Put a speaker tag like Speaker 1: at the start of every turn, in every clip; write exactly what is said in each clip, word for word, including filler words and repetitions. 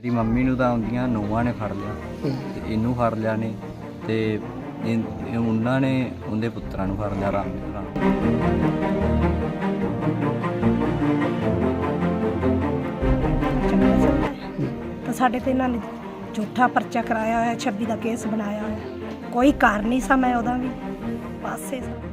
Speaker 1: ਮੇਰੀ ਮੰਮੀ ਨੂੰ ਤਾਂ ਆਉਂਦੀਆਂ ਨੂੰਹਾਂ ਨੇ ਫੜ ਲਿਆ ਤੇ ਇਹਨੂੰ ਫੜ ਲਿਆ ਨੇ ਤੇ ਇਹ- ਉਹਨਾਂ ਨੇ ਉਹਦੇ ਪੁੱਤਰਾਂ ਨੂੰ ਫੜ ਲਿਆ ਰਾਮ ਰਾਮ
Speaker 2: ਤਾਂ ਸਾਡੇ ਤੇ ਇਹਨਾਂ ਨੇ ਝੂਠਾ ਪਰਚਾ ਕਰਾਇਆ ਹੋਇਆ, ਛੱਬੀ ਦਾ ਕੇਸ ਬਣਾਇਆ ਹੋਇਆ। ਕੋਈ ਕਾਰਨ ਨਹੀਂ ਸੀ, ਮੈਂ ਉਹਦਾ ਵੀ ਪਾਸੇ ਸਾਂ।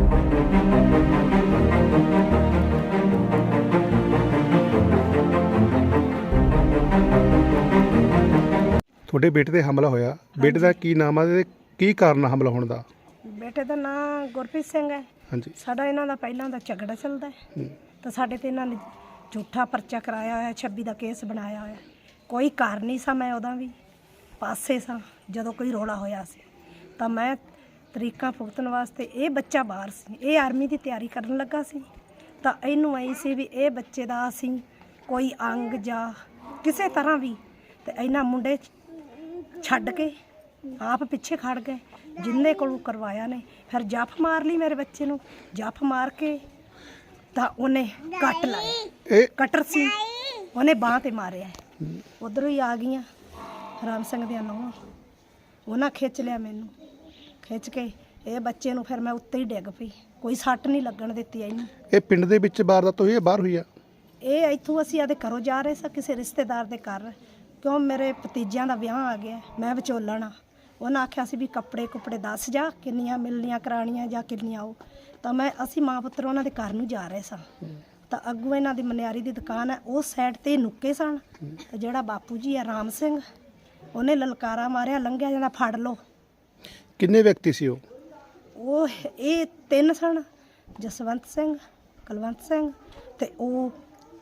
Speaker 3: ਤੁਹਾਡੇ ਬੇਟੇ ਤੇ ਹਮਲਾ ਹੋਇਆ, ਬੇਟੇ ਦਾ ਕੀ ਨਾਮ ਆ ਤੇ ਕੀ ਕਾਰਨ ਆ ਹਮਲਾ ਹੋਣ ਦਾ?
Speaker 2: ਬੇਟੇ ਦਾ ਨਾਂ ਗੁਰਪ੍ਰੀਤ ਸਿੰਘ ਹੈ।
Speaker 3: ਹਾਂਜੀ।
Speaker 2: ਸਾਡਾ ਇਹਨਾਂ ਦਾ ਪਹਿਲਾਂ ਦਾ ਝਗੜਾ ਚੱਲਦਾ ਹੈ ਤਾਂ ਸਾਡੇ ਤੇ ਇਹਨਾਂ ਨੇ ਝੂਠਾ ਪਰਚਾ ਕਰਾਇਆ ਹੋਇਆ, ਛੱਬੀ ਦਾ ਕੇਸ ਬਣਾਇਆ ਹੋਇਆ। ਕੋਈ ਕਾਰਨ ਨਹੀਂ ਸੀ, ਮੈਂ ਉਹਦਾ ਵੀ ਪਾਸੇ ਸਾਂ ਜਦੋਂ ਕੋਈ ਰੌਲਾ ਹੋਇਆ ਸੀ। ਤਾਂ ਮੈਂ ਤਰੀਕਾਂ ਭੁਗਤਣ ਵਾਸਤੇ, ਇਹ ਬੱਚਾ ਬਾਹਰ ਸੀ, ਇਹ ਆਰਮੀ ਦੀ ਤਿਆਰੀ ਕਰਨ ਲੱਗਾ ਸੀ। ਤਾਂ ਇਹਨੂੰ ਆਈ ਸੀ ਵੀ ਇਹ ਬੱਚੇ ਦਾ ਅਸੀਂ ਕੋਈ ਅੰਗ ਜਾਂ ਕਿਸੇ ਤਰ੍ਹਾਂ ਵੀ, ਤੇ ਇਹਨਾਂ ਮੁੰਡੇ ਛੱਡ ਕੇ ਆਪ ਪਿੱਛੇ ਖੜ ਗਏ। ਜਿੰਨੇ ਕੋਲੋਂ ਕਰਵਾਇਆ ਨੇ ਫਿਰ ਜੱਫ ਮਾਰ ਲਈ ਮੇਰੇ ਬੱਚੇ ਨੂੰ, ਜੱਫ ਮਾਰ ਕੇ ਤਾਂ ਉਹਨੇ ਕੱਟ ਲਾਇਆ,
Speaker 3: ਇਹ
Speaker 2: ਕਟਰ ਸੀ, ਉਹਨੇ ਬਾਂਹ ਤੇ ਮਾਰਿਆ। ਉਧਰੋਂ ਹੀ ਆ ਗਈਆਂ ਰਾਮ ਸਿੰਘ ਦੀਆਂ ਨੂੰਹਾਂ, ਉਹਨਾਂ ਖਿੱਚ ਲਿਆ ਮੈਨੂੰ, ਖਿੱਚ ਕੇ ਇਹ ਬੱਚੇ ਨੂੰ ਫਿਰ ਮੈਂ ਉੱਤੇ ਹੀ ਡਿੱਗ ਪਈ। ਕੋਈ ਸੱਟ ਨਹੀਂ ਲੱਗਣ ਦਿੱਤੀ ਇਹਨੂੰ।
Speaker 3: ਇਹ ਪਿੰਡ ਦੇ ਵਿੱਚ ਵਾਰਦਾਤ ਹੋਈ ਹੈ, ਬਾਹਰ ਹੋਈ ਆ?
Speaker 2: ਇਹ ਇੱਥੋਂ ਅਸੀਂ ਆਦੇ ਘਰੋਂ ਜਾ ਰਹੇ ਸਾਂ ਕਿਸੇ ਰਿਸ਼ਤੇਦਾਰ ਦੇ ਘਰ, ਕਿਉਂ ਮੇਰੇ ਭਤੀਜਿਆਂ ਦਾ ਵਿਆਹ ਆ ਗਿਆ, ਮੈਂ ਵਿਚੋਲਣ ਆ। ਉਹਨਾਂ ਆਖਿਆ ਸੀ ਵੀ ਕੱਪੜੇ ਕੁੱਪੜੇ ਦੱਸ ਜਾ, ਕਿੰਨੀਆਂ ਮਿਲਣੀਆਂ ਕਰਾਉਣੀਆਂ ਜਾਂ ਕਿੰਨੀਆਂ ਉਹ। ਤਾਂ ਮੈਂ ਅਸੀਂ ਮਾਂ ਪੁੱਤਰ ਉਹਨਾਂ ਦੇ ਘਰ ਨੂੰ ਜਾ ਰਹੇ ਸਾਂ। ਤਾਂ ਅੱਗੋਂ ਇਹਨਾਂ ਦੀ ਮਨਿਆਰੀ ਦੀ ਦੁਕਾਨ ਹੈ, ਉਸ ਸਾਈਡ ਤੇ ਨੁੱਕੇ ਸਨ। ਤੇ ਜਿਹੜਾ ਬਾਪੂ ਜੀ ਆ ਰਾਮ ਸਿੰਘ, ਉਹਨੇ ਲਲਕਾਰਾ ਮਾਰਿਆ, ਲੰਘਿਆ ਜਾਂਦਾ ਫੜ ਲਓ।
Speaker 3: ਕਿੰਨੇ ਵਿਅਕਤੀ ਸੀ ਉਹ?
Speaker 2: ਉਹ ਇਹ ਤਿੰਨ ਸਨ, ਜਸਵੰਤ ਸਿੰਘ, ਕੁਲਵੰਤ ਸਿੰਘ ਤੇ ਉਹ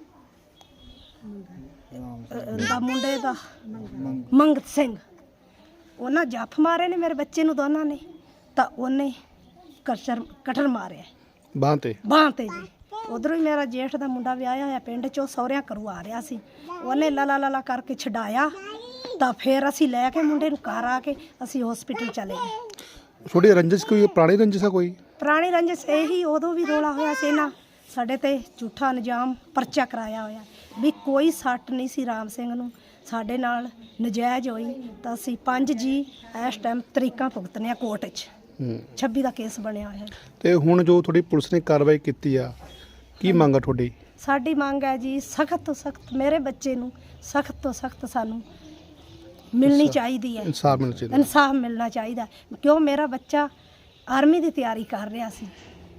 Speaker 2: ਦਾ ਮੁੰਡੇ ਦਾ ਮੰਗਤ ਸਿੰਘ। ਉਹਨਾਂ ਜੱਫ ਮਾਰੇ ਨੇ ਮੇਰੇ ਬੱਚੇ ਨੂੰ ਦੋਨਾਂ ਨੇ। ਤਾਂ ਉਹਨੇ ਕਸ਼ਰ ਕਟਰ ਮਾਰਿਆ
Speaker 3: ਬਾਂਹ ਤੇ
Speaker 2: ਬਾਂਹ ਤੇ ਜੀ। ਉਧਰੋਂ ਹੀ ਮੇਰਾ ਜੇਠ ਦਾ ਮੁੰਡਾ ਵਿਆਹਿਆ ਹੋਇਆ ਪਿੰਡ ਚੋਂ, ਸਹੁਰਿਆਂ ਘਰੋਂ ਆ ਰਿਹਾ ਸੀ। ਉਹਨੇ ਲਲਾ ਲਲਾ ਕਰਕੇ ਛਡਾਇਆ। ਤਾਂ ਫਿਰ ਅਸੀਂ ਲੈ ਕੇ ਮੁੰਡੇ ਨੂੰ ਘਰ ਆ ਕੇ ਅਸੀਂ ਹਸਪੀਟਲ ਚਲੇ ਗਏ।
Speaker 3: ਥੋੜੀ ਰੰਜਿਸ਼, ਕੋਈ ਪੁਰਾਣੀ ਰੰਜਿਸ਼ ਆ ਕੋਈ?
Speaker 2: ਪੁਰਾਣੀ ਰੰਜਿਸ਼ ਇਹੀ, ਉਦੋਂ ਵੀ ਰੌਲਾ ਹੋਇਆ ਸੀ ਨਾ, ਸਾਡੇ ਤੇ ਝੂਠਾ ਨਿਜਾਮ ਪਰਚਾ ਕਰਾਇਆ ਹੋਇਆ ਵੀ ਕੋਈ ਸੱਟ ਨਹੀਂ ਸੀ ਰਾਮ ਸਿੰਘ ਨੂੰ, ਸਾਡੇ ਨਾਲ ਨਜਾਇਜ਼ ਹੋਈ। ਤਾਂ ਅਸੀਂ ਪੰਜ ਜੀ ਇਸ ਟਾਈਮ ਤਰੀਕਾਂ ਭੁਗਤਨੇ ਆ ਕੋਰਟ 'ਚ। ਛੱਬੀ ਦਾ ਕੇਸ ਬਣਿਆ ਹੋਇਆ।
Speaker 3: ਤੇ ਹੁਣ ਜੋ ਤੁਹਾਡੀ ਪੁਲਿਸ ਨੇ ਕਾਰਵਾਈ ਕੀਤੀ ਆ, ਕੀ ਮੰਗ ਆ ਤੁਹਾਡੀ?
Speaker 2: ਸਾਡੀ ਮੰਗ ਹੈ ਜੀ ਸਖਤ ਤੋਂ ਸਖਤ ਮੇਰੇ ਬੱਚੇ ਨੂੰ ਸਖਤ ਤੋਂ ਸਖਤ ਸਾਨੂੰ ਮਿਲਣੀ ਚਾਹੀਦੀ ਹੈ,
Speaker 3: ਇਨਸਾਫ ਮਿਲਣਾ ਚਾਹੀਦਾ।
Speaker 2: ਇਨਸਾਫ ਮਿਲਣਾ ਚਾਹੀਦਾ, ਕਿਉਂ ਮੇਰਾ ਬੱਚਾ ਆਰਮੀ ਦੀ ਤਿਆਰੀ ਕਰ ਰਿਹਾ ਸੀ।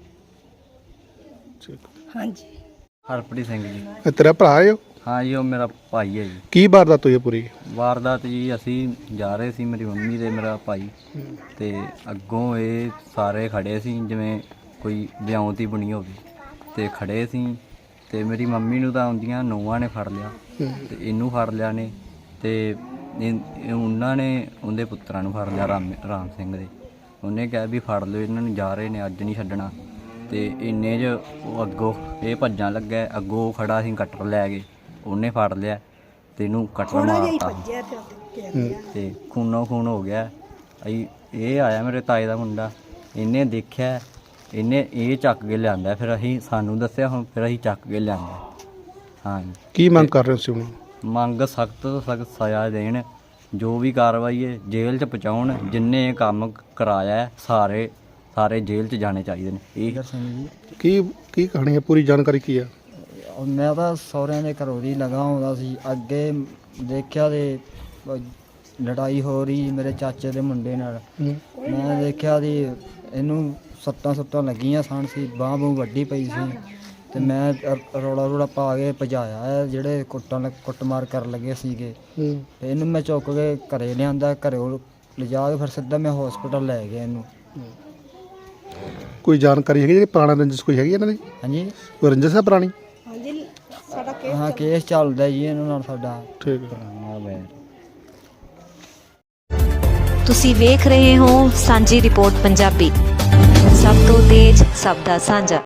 Speaker 2: ਹਾਂਜੀ।
Speaker 1: ਹਰਪ੍ਰੀਤ ਸਿੰਘ ਜੀ।
Speaker 3: ਇਹ ਤੇਰਾ ਭਰਾ ਹੈ?
Speaker 1: ਹਾਂ ਜੀ, ਉਹ ਮੇਰਾ ਭਾਈ ਹੈ ਜੀ।
Speaker 3: ਕੀ ਵਾਰਦਾਤ ਹੋਈ ਹੈ ਪੂਰੀ?
Speaker 1: ਵਾਰਦਾਤ ਜੀ, ਅਸੀਂ ਜਾ ਰਹੇ ਸੀ, ਮੇਰੀ ਮੰਮੀ ਤੇ ਮੇਰਾ ਭਾਈ, ਤੇ ਅੱਗੋਂ ਇਹ ਸਾਰੇ ਖੜੇ ਸੀ ਜਿਵੇਂ ਕੋਈ ਵਿਆਹੁਤੀ ਬਣੀ ਹੋਵੇ, ਤੇ ਖੜੇ ਸੀ। ਤੇ ਮੇਰੀ ਮੰਮੀ ਨੂੰ ਤਾਂ ਆਉਂਦੀਆਂ ਨੂੰਹਾਂ ਨੇ ਫੜ ਲਿਆ ਤੇ ਇਹਨੂੰ ਫੜ ਲਿਆ ਨੇ ਤੇ ਇਹ- ਉਹਨਾਂ ਨੇ ਉਹਦੇ ਪੁੱਤਰਾਂ ਨੂੰ ਫੜ ਲਿਆ ਰਾਮ ਰਾਮ ਸਿੰਘ ਦੇ। ਉਹਨੇ ਕਿਹਾ ਵੀ ਫੜ ਲਓ ਇਹਨਾਂ ਨੂੰ, ਜਾ ਰਹੇ ਨੇ, ਅੱਜ ਨਹੀਂ ਛੱਡਣਾ। ਤੇ ਇੰਨੇ 'ਚ ਉਹ ਅੱਗੋਂ ਇਹ ਭੱਜਣ ਲੱਗਾ, ਅੱਗੋਂ ਉਹ ਖੜਾ ਸੀ, ਕਟਰ ਲੈ ਕੇ ਉਹਨੇ ਫੜ ਲਿਆ ਤੇ ਇਹਨੂੰ ਕਟਰ ਮਾਰਤਾ ਤੇ ਖੂਨੋ ਖੂਨ ਹੋ ਗਿਆ। ਅਸੀਂ ਇਹ ਆਇਆ ਮੇਰੇ ਤਾਏ ਦਾ ਮੁੰਡਾ, ਇਹਨੇ ਦੇਖਿਆ, ਇਹਨੇ ਇਹ ਚੱਕ ਕੇ ਲਿਆਂਦਾ, ਫਿਰ ਅਸੀਂ ਸਾਨੂੰ ਦੱਸਿਆ, ਹੁਣ ਫਿਰ ਅਸੀਂ ਚੱਕ ਕੇ ਲਿਆਂਦਾ। ਹਾਂ।
Speaker 3: ਕੀ ਮੰਗ ਕਰ ਰਹੇ ਸੀ ਹੁਣ?
Speaker 1: ਮੰਗ ਸਖਤ ਤੋਂ ਸਖਤ ਸਜ਼ਾ ਦੇਣ, ਜੋ ਵੀ ਕਾਰਵਾਈ ਹੈ ਜੇਲ੍ਹ 'ਚ ਪਹੁੰਚਾਉਣ। ਜਿੰਨੇ ਇਹ ਕੰਮ ਕਰਾਇਆ ਹੈ, ਸਾਰੇ ਸਾਰੇ ਜੇਲ੍ਹ 'ਚ ਜਾਣੇ ਚਾਹੀਦੇ ਨੇ। ਇਹ
Speaker 3: ਕੀ ਕੀ ਕਹਾਣੀ ਹੈ, ਪੂਰੀ ਜਾਣਕਾਰੀ ਕੀ ਆ?
Speaker 4: ਮੈਂ ਤਾਂ ਸਹੁਰਿਆਂ ਦੇ ਘਰੋਂ ਦੀ ਲਗਾ ਆਉਂਦਾ ਸੀ, ਅੱਗੇ ਦੇਖਿਆ ਤੇ ਲੜਾਈ ਹੋ ਰਹੀ ਮੇਰੇ ਚਾਚੇ ਦੇ ਮੁੰਡੇ ਨਾਲ। ਮੈਂ ਦੇਖਿਆ ਦੀ ਇਹਨੂੰ ਸੱਟਾਂ ਸੁੱਟਾਂ ਲੱਗੀਆਂ ਸਨ ਸੀ, ਬਾਂਹ ਬੂਹ ਵੱਡੀ ਪਈ ਸੀ। ਤੇ ਮੈਂ ਰੌਲਾ ਰੌਲਾ ਪਾ ਕੇ ਭਜਾਇਆ ਹੈ, ਜਿਹੜੇ ਕੁੱਟਾਂ ਕੁੱਟਮਾਰ ਕਰਨ ਲੱਗੇ ਸੀਗੇ। ਤੇ ਇਹਨੂੰ ਮੈਂ ਚੁੱਕ ਕੇ ਘਰੇ ਲਿਆਂਦਾ, ਘਰੋਂ ਲਿਜਾ ਕੇ ਫਿਰ ਸਿੱਧਾ ਮੈਂ ਹਸਪੀਟਲ ਲੈ ਗਿਆ ਇਹਨੂੰ।
Speaker 3: ਕੋਈ ਜਾਣਕਾਰੀ ਹੈਗੀ ਜਿਹੜੀ ਪੁਰਾਣਾ ਰੰਜਿਸ਼ ਕੋਈ ਹੈਗੀ ਇਹਨਾਂ ਦੀ?
Speaker 4: ਹਾਂਜੀ।
Speaker 3: ਕੋਈ ਰੰਜਿਸ਼ ਹੈ ਪੁਰਾਣੀ?
Speaker 2: ਹਾਂਜੀ, ਸਾਡਾ ਕੇਸ
Speaker 4: ਹਾਂ, ਕੇਸ ਚੱਲਦਾ ਜੀ ਇਹਨਾਂ ਨਾਲ ਸਾਡਾ।
Speaker 3: ਠੀਕ ਹੈ।
Speaker 5: ਤੁਸੀਂ ਵੇਖ ਰਹੇ ਹੋ ਸਾਂਝੀ ਰਿਪੋਰਟ ਪੰਜਾਬੀ, ਸਭ ਤੋਂ ਤੇਜ਼, ਸਭ ਦਾ ਸਾਂਝਾ।